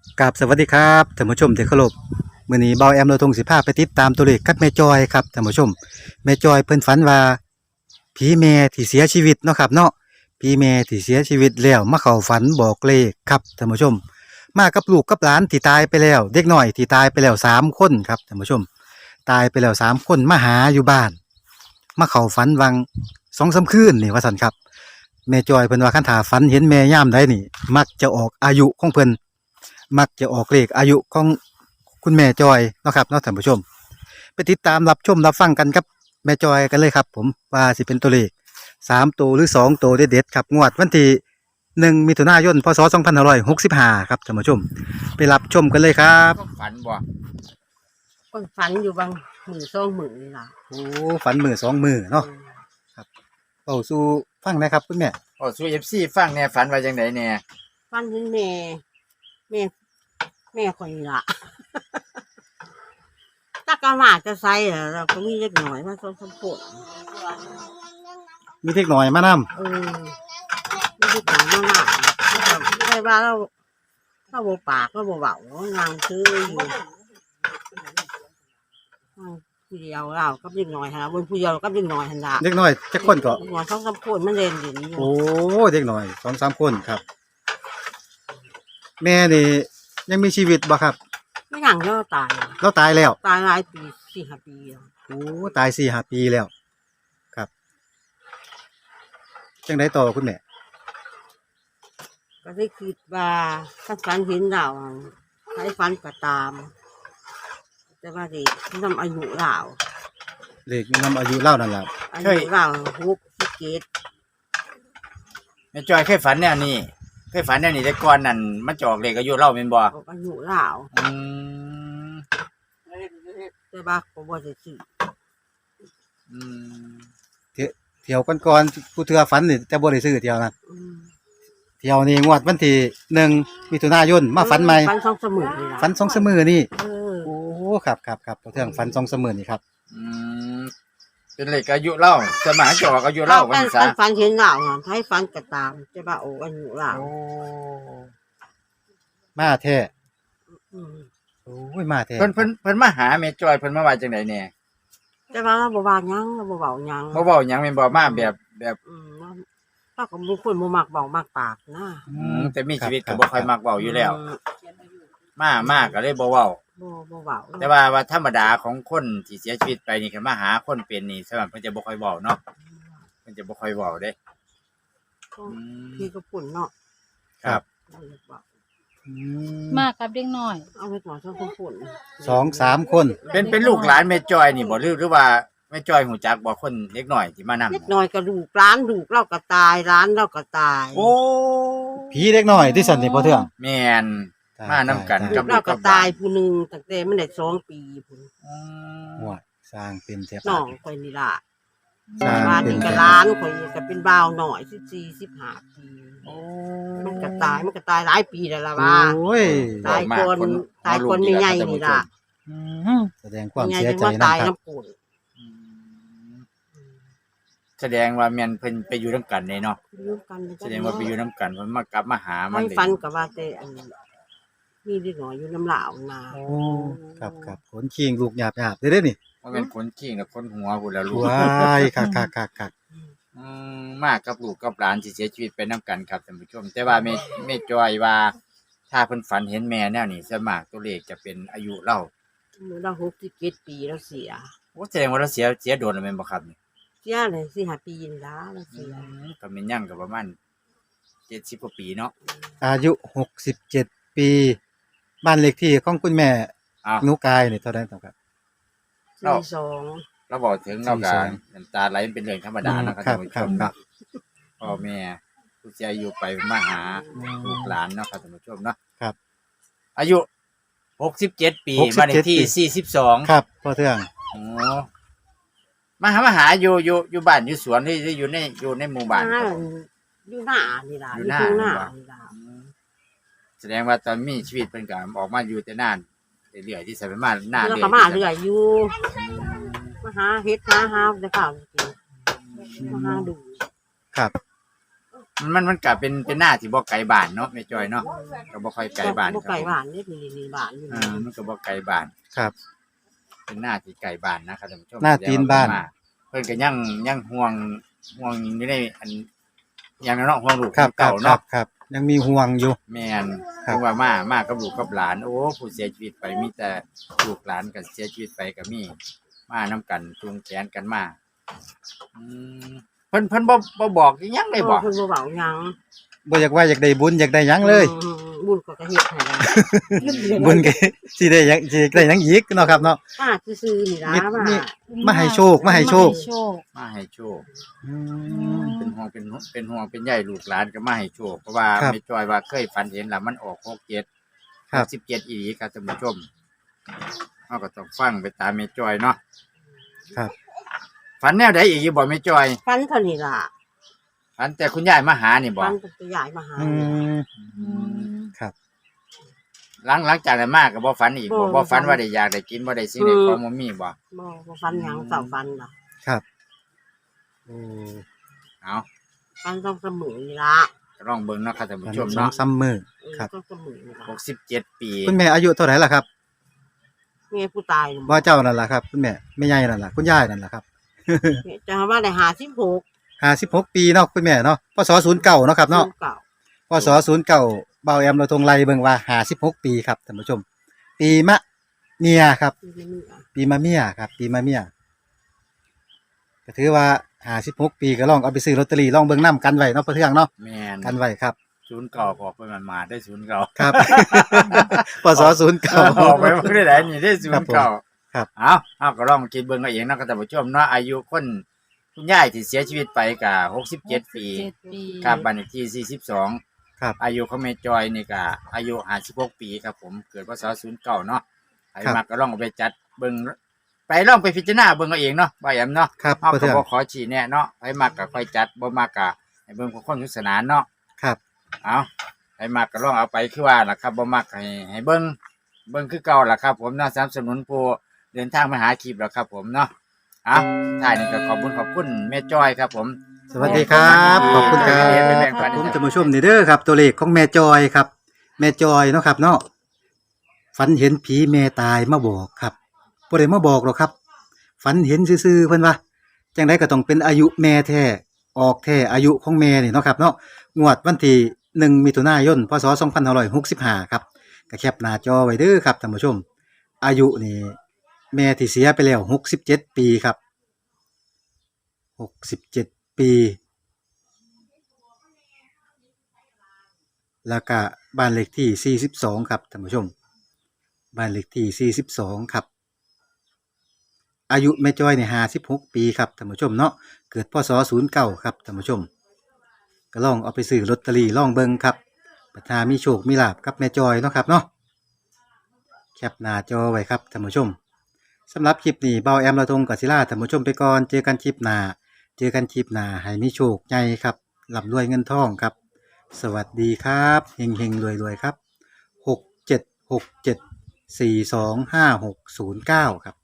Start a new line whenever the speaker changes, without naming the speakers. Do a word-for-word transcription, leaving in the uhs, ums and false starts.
กับสวัสดีครับท่านผู้ชมที่เคารพมื้อนี้เบาแอมเราทงสิพาไปติดตามตัวเลขกับแม่จอยครับท่านผู้ชมแม่จอยเพิ่นฝันว่าผีแม่ที่เสียชีวิตเนาะครับเนาะผีแม่ที่เสียชีวิตแล้วมาเข้าฝันบอกเลขครับท่านผู้ชมมากับลูกกับหลานที่ตายไปแล้วเด็กน้อยที่ตายไปแล้วสามคนครับท่านผู้ชมตายไปแล้วสามคนมาหาอยู่บ้านมาเข้าฝันวัง สองสามคืนนี่ว่าซั่นครับแม่จอยเพิ่นว่าคันถ้าฝันเห็นแม่ยามใดนี่มักจะออกอายุของเพิ่น มักจะออกเลขอายุของคุณแม่จอยเนาะครับเนาะท่านผู้ชมไปติดตามรับชมรับฟังกันครับแม่จอยกันเลยครับผมว่าสิเป็นตัวเลขสามตัวหรือสองตัวเด็ดๆครับงวดวันที่หนึ่งมิถุนายนพศสองพันห้าร้อยหกสิบห้าครับท่านผู้ชมไปรับชมกันเลยครับ
ก็ฝันบ่
ก็ฝันอยู่บางมือสองมือนี่ล่ะ
โอ้ฝันมือสองมือเนาะครับเป่าสู่ฟังนะครับคุณแม่
โอ้สู้ เอฟ ซี ฟังแหน่ฝันว่าจังไดแหน่
ฝันเห็นแม่แม่แม่คนนี้ล่ะ ตากะมาจะใส่เหรอเราก็มีเล็กหน่อยมาส่งสมผล
มีเทคหน่อยมานำ
เออไม่ได้ต่างมากไม่ได้ว่าเราเราโบปากเราโบเบางานซื้ออยู่ผู้เดียวเราก็เล็กหน่อยฮะบนผู้เดียวก็เล็กหน่อยฮะละ
เด็กน้อยจักคนก็
หน่อยส่งสมผลมันเรียนอยู่นี่
โอ้เด็กน้อยสองสามคนครับ แม่นี่ยังมีชีวิตบ่ครับ
ไม่อย่างเดียวตาย
เราตายแล้ว
ตายหลายปีสี่ห้าปีแล้ว
โอ้ตายสี่ห้าปีแล้วครับจังไดต่อคุณแม่
ก็ได้คิดว่าถ้าฝันเห็นเราใช้ฝันก็ตาม แต่ว่าเด็กทำอายุเรา
เลขนำอายุเล่านั่นแหละ
อายุเราหกสิบเจ็ด
แม่จอยเคยฝันแนวนี้เคยฝันแนวนี้แต่ก่อนนั่นมันจะออกเลขอายุเราแม่นบ่
อายุเรา
อืม
แต่ว่าผมว่าจะซื้อ
อืม
เที่ยวก่อนๆผู้เทื่อฝันนี่แต่บ่ได้ซื้อเที่ยวนั้น
อืม
เที่ยวนี้งวดวันที่หนึ่งมิถุนายนมาฝันใหม่
ฝันสองเสมอนี่ล่ะ
ฝันสองเสมอนี่
เออ
โอ้ครับครับครับผู้เทื่อฝันสองเสมอนี่ครับ
อืมเป็นเลขอายุเราสมัยจะออกอายุเรา
ฝั
วัน
น
ซะ
ฝันเห็นเราใช้ฝันก็ตามแต่ว่าโอ้อายุเรา
โอ้
มาแท้
อืม
โอ้ยมาแท้
เพิ่นเพิ่นเพิ่นมาหาแม่จอยเพิ่นมาว่าจังไดแหน่
แต่ว่าเราบ่ว่าหยังเราบ่เบาหยัง
บ่เว้าหยังแม่นบ่มาแบบแบบ
อืมเราก็บ่ควรบ่มักเบามากปากนะ
อืมแต่มีชีวิตก็บ่ค่อยมักเว้าอยู่แล้ว มามากก็เลยบ่เว้า
บ่บ่เบา
แต่ว่าว่าธรรมดาของคนที่เสียชีวิตไปนี่คันมาหาคนเป็นนี่สำหรับเพิ่นจะบ่ค่อยเว้าเนาะเพิ่นจะบ่ค่อยเว้าเด้อืม
พี่ก็ปุ่นเนาะ
ครับ
อืม
มากับเด็กน้อย
เอาไปก่อนช่างปุ่น
สองสามคน
เป็นเป็นลูกหลานแม่จอยนี่บ่หรือหรือว่าแม่จอยหูจักบ่คนเล็กน้อยที่มานำ
เล็กน้อยก็ลูกร้านลูกเราก็ตายร้านเราก็ตาย
โอ้
ผีเด็กน้อยที่สันนี่พ่อเทื่อง
แม่น มานํกัน
ลูกเราก็ตายผู้หนึงตั้งแต่มันได้สองปีพุ่น
อืม
หัวสร้างเป็นเสีย
น้องข่อยนี่ล่ะ
สร้าง
บ้าน
เป็น
นี่ก็ร้านข่อยก็เป็นบ่าวหน่อยสิบสี่สิบห้าปี
โอ้
มันก็ตายมันก็ตายหลายปีแล้วล่ะว่า
โอ้ย
ตายคนตายคนใหญ่ๆนี่ล่ะ
อืมแสดงความ
ใหญ่
เสีย
จัง
ใจ
ว่า
นะ
ตาย
ครับ
น้ำปุ่น
อืมแสดงว่าแม่นเพิ่นไปอยู่นํกันเลยเนาะ
อยู่กัน
แสดงว่าไปอยู่นํกันเพิ่นมากลับมาหามัน
ไม่
เลย
ฟันกับว่าแต่อันมีเล็กน้อยอยู่น้ำเหลาวนา
โอ้ครับครับขนคิงลูกหยาบหยาบได้เด้อนี่
ว่าเป็นคนขี้กับคนหัวพุ่นแล้วลูก
ว้ายคักคักคักคัก
อืมมากกับลูกกับหลานที่เสียชีวิตไปนํกันครับท่านผู้ชม แต่ว่าแม่แม่จอยว่า ถ้าเพิ่นฝันเห็นแม่แนวนี้ส่วนมากตัวเลขจะเป็นอายุเรา
เราหกสิบเจ็ดปีแล้วเสีย
โอ้แสดงว่าเราเสียเสียโดนแล้วแม่นบ่ครับนี่
เสียเลยสี่ห้าปีนี่ละเราเสีย
ก็แม่นยังก็ประมาณเจ็ดสิบกว่าปีเนาะ
อายุหกสิบเจ็ดปีบ้านเลขที่ของคุณแม่
อ้าว
หนูกายนี่เท่าไหร่ครับ
สี่สอง
เราบอกถึงเราก็
สี่สอง
น้ำตาไหลเป็นเรื่องธรรมดาเนาะครับ
ครั
ท่า
บ
นผู้
ค
ช
รับ
ม
ครับ
พ่อแม่ผู้เสียอายุไปมาหาลูกหลานเนาะครับท่านผู้ชมเนาะ
ครับ
อายุหกสิบเจ็ดปี
หกสิบเจ็ด
บ้านเลขที่
ปี
สี่สิบสอง
ครับพ่อเทื่อง
โอ้มาหามาหาอยู่อยู่อยู่บ้านอยู่สวนหรือหรืออยู่ในอยู่ในหมู่บ้านครับผม
อยู่หน้านี่ละ
อยู่
อยู่
หน้า
ข้างหน้า
นี่
นี่
ล่ะ
ละ
อืมแสดงว่าตอนมีชีวิตเป็นการออกมาอยู่แต่นานเรื่อยๆที่ใส่ไปมาหน้า
แล้ว
เรื่อย
ก็มาเรื่อยอยู่มาหาเฮ็ดหาหาได้ข่าวกินมาหาดู
ครับ
มันมันมันก็เป็นเป็นหน้าที่บ่ไกลบ้านเนาะแม่จอยเนาะก็บ่ค่อยไกลบ้าน
บ่
ครับ
ไก่
ผม
บ้านนี่มีมีบ้านอยู่
อ่ามันก็บ่ไกลบ้าน
ครับ
เป็นหน้าที่ไกลบ้านนะครับท่านผู้ชม
หน้าตีนบ้าน
เพิ่นก็ยังยังห่วงห่วงอยู่ในอันอย่างนั้นเนาะห่วงลูก
ครับ
เก่า
ครั
เนาะ
บครับยังมีห่วงอยู่
แม่น
ครับ
เพราะว่ามามากับลูกกับหลาน โอ้ผู้เสียชีวิตไปมีแต่ลูกหลานก็เสียชีวิตไปก็มีมานํกันจูงแขนกันมาอืมเพิ่นเพิ่นบ่บ่บอกอีหยังเลยบ่
เพิ่นบ่เว้าหยัง
บ่อยากว่าอยากได้บุญอยากได้หยังเลย
อืมบุญก็ก็เฮ็ดให้แล้ว
บุญก็สิได้หยังสิได้หยังอีกเนาะครับเนาะ
ป้าซื่อๆนี่ล่ะ
มี
มา
มี มาให้โชคมาให้โชค
โชค
มาให้โชค
อืม
เป็นห่วงเป็นห่วงเป็นห่วงเป็นใยลูกหลานก็มาให้โชคเพราะว่า
ครับ
แม่จอยว่าเคยฝันเห็นแล้วมันออกหกเจ็ด
ครับ
สิบเจ็ดอีหลีครับท่านผู้ชมเราก็ต้องฟังไปตามแม่จอยเนาะ
ครับ
ฝันแนวใดอีกอยู่บ่แม่จอย
ฟันเท่านี้ล่ะ
ฝันแต่คุณยายมาหานี่บ่
ฟันก็จะย้ายมาหา
อืม
อืม
ครับ
หลังหลังจากนั้นมาก็บ่ฝันอีกบ่
บ่
บ่ฝัน
บ่ฝัน
ว่าได้อยากได้กินบ่ได้สิ่งใด
อืม
ของบ่มีบ่
บ่บ่ฟันหยังเสาฟันล่ะ
ครับโอ้
เอา
ฟันต้องเสมอนี่ล่ะ
ก็ลองเบิ่งเนาะครับท่านผู้ชม
สอง
เนาะ
ซ้ำมือ
เออ
ครับ
ต้องเสมอนี่ล่ะ
หกสิบเจ็ดปี
คุณแม่อายุเท่าไหร่ล่ะครับ
แม่ผู้ตายนี่
บ่เจ้านั่นล่ะครับคุณแม่แม่ใหญ่นั่นล่ะคุณยายนั่นล่ะครับ
จะว่าได้ห้าสิบหก
ห้าสิบหกปีเนาะคุณแม่เนาะพศศูนย์เก้าเนาะครับเนาะ
เก่า
พศศูนย์เก้าเบาแอมเราทงไล่เบิ่งว่าห้าสิบหกปีครับท่านผู้ชม ปีมะเมียครับ
ที่นี่อ่ะ
ปีมะเมียครับ ปีมะเมียก็ถือว่าห้าสิบหกปีก็ลองเอาไปซื้อลอตเตอรี่ลองเบิ่งนํกันไว้เนาะเพื่อเทื่องเนาะ
แม่น
กันไว้ครับ
ศูนย์เก่าพอเพิ่นมันมาได้ศูนย์เก่า
ครับ พศศูนย์เก้า
ออกไปบ่ได้หลายนี่ได้ศูนย์เก่า
ครับ
เอาเอาก็ลองคิดเบิ่งเอาเองเนาะครับท่านผู้ชมเนาะอายุคนคุณยายที่เสียชีวิตไปก็หกสิบเจ็ดปี
เจ็ดปี
ครับบ้านเลขที่สี่สิบสอง
ครับ
อายุของแม่จอยนี่ก็อายุห้าสิบหกปีครับผมเกิดพศศูนย์เก้าเนาะใคร
ครับ
มาก็ลองเอาไปจัดเบิ่งไปลองไปพิจารณาเบิ่งเอาเองเนาะบ่แอมเนาะ
ครับ
เฮา
เพื่อ
ก็
เทื่อง
บ่ขอชี้แนะเนาะใครมาก็ค่อยจัดบ่มาก็ให้เบิ่งของความสนุกสนานเนาะ
ครับ
เอาใครมาก็ลองเอาไปคือว่าล่ะครับบ่มักให้ให้เบิ่งเบิ่งคือเก่าล่ะครับผมเนาะสนับสนุนผู้เดินทางมาหาคลิปแล้วครับผมเนาะเอาท้ายนี้ก็ขอบคุณขอบคุณแม่จอยครับผม
สวัสดีครับขอบคุณครับ
เป็นแบ่งปัน
ผมท่านผู้ชมนี่เด้อครับ ตัวเลขของแม่จอยครับ แม่จอยเนาะครับเนาะฝันเห็นผีแม่ตายมาบอกครับบ่ได้มาบอกหรอกครับ ฝันเห็นซื่อๆเพิ่นว่าจังไดก็ต้องเป็นอายุแม่แท้ออกแท้อายุของแม่นี่เนาะครับเนาะงวดวันที่หนึ่งมิถุนายนพศสองพันห้าร้อยหกสิบห้าครับก็แคปหน้าจอไว้เด้อครับท่านผู้ชม อายุนี่แม่ที่เสียไปแล้วหกสิบเจ็ดปีครับหกสิบเจ็ดปี แล้วก็บ้านเลขที่สี่สิบสองครับท่านผู้ชม บ้านเลขที่สี่สิบสองครับ อายุแม่จ้อยเนี่ยห้าสิบหกปีครับท่านผู้ชมเนาะ เกิดพศศูนย์เก้าครับท่านผู้ชม ก็ลองเอาไปซื้อลอตเตอรี่ลองเบิ่งครับปัทามีโชคมีลาภกับแม่จ้อยเนาะครับเนาะ แคปหน้าจอไว้ครับท่านผู้ชมสำหรับคลิปนี้เบาแอมละทงกับศิลาท่านผู้ชมไปก่อน เจอกันคลิปหน้า เจอกันคลิปหน้าให้มีโชคใหญ่ครับร่ำรวยเงินทองครับ สวัสดีครับเฮงเฮงรวยรวยๆครับหกเจ็ดหกเจ็ดสี่สองห้าหกศูนย์เก้าครับ